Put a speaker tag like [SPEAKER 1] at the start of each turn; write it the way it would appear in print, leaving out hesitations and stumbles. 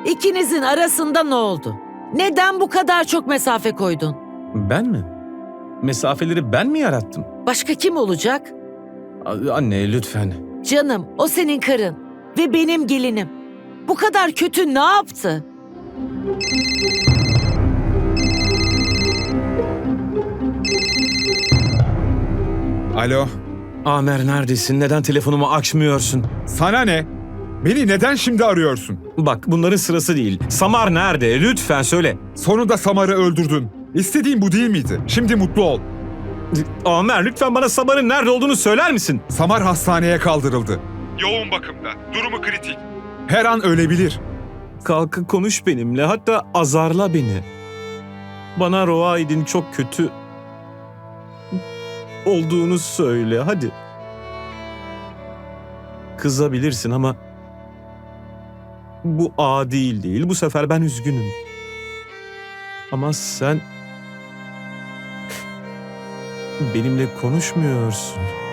[SPEAKER 1] İkinizin arasında ne oldu? Neden bu kadar çok mesafe koydun?
[SPEAKER 2] Ben mi? Mesafeleri ben mi yarattım?
[SPEAKER 1] Başka kim olacak?
[SPEAKER 2] Anne lütfen.
[SPEAKER 1] Canım, o senin karın ve benim gelinim. Bu kadar kötü ne yaptı?
[SPEAKER 3] Alo,
[SPEAKER 2] Amer neredesin? Neden telefonumu açmıyorsun?
[SPEAKER 3] sana ne? Beni neden şimdi arıyorsun?
[SPEAKER 2] Bak bunların sırası değil. Samar nerede? Lütfen söyle.
[SPEAKER 3] Sonunda Samar'ı öldürdün. İstediğin bu değil miydi? Şimdi mutlu ol.
[SPEAKER 2] Amer lütfen bana Samar'ın nerede olduğunu söyler misin?
[SPEAKER 3] Samar hastaneye kaldırıldı. Yoğun bakımda. Durumu kritik. Her an ölebilir.
[SPEAKER 2] Kalk konuş benimle, hatta azarla beni. Bana Roaid'in çok kötü olduğunu söyle, hadi. Kızabilirsin ama bu adil değil. Bu sefer ben üzgünüm. Ama sen benimle konuşmuyorsun.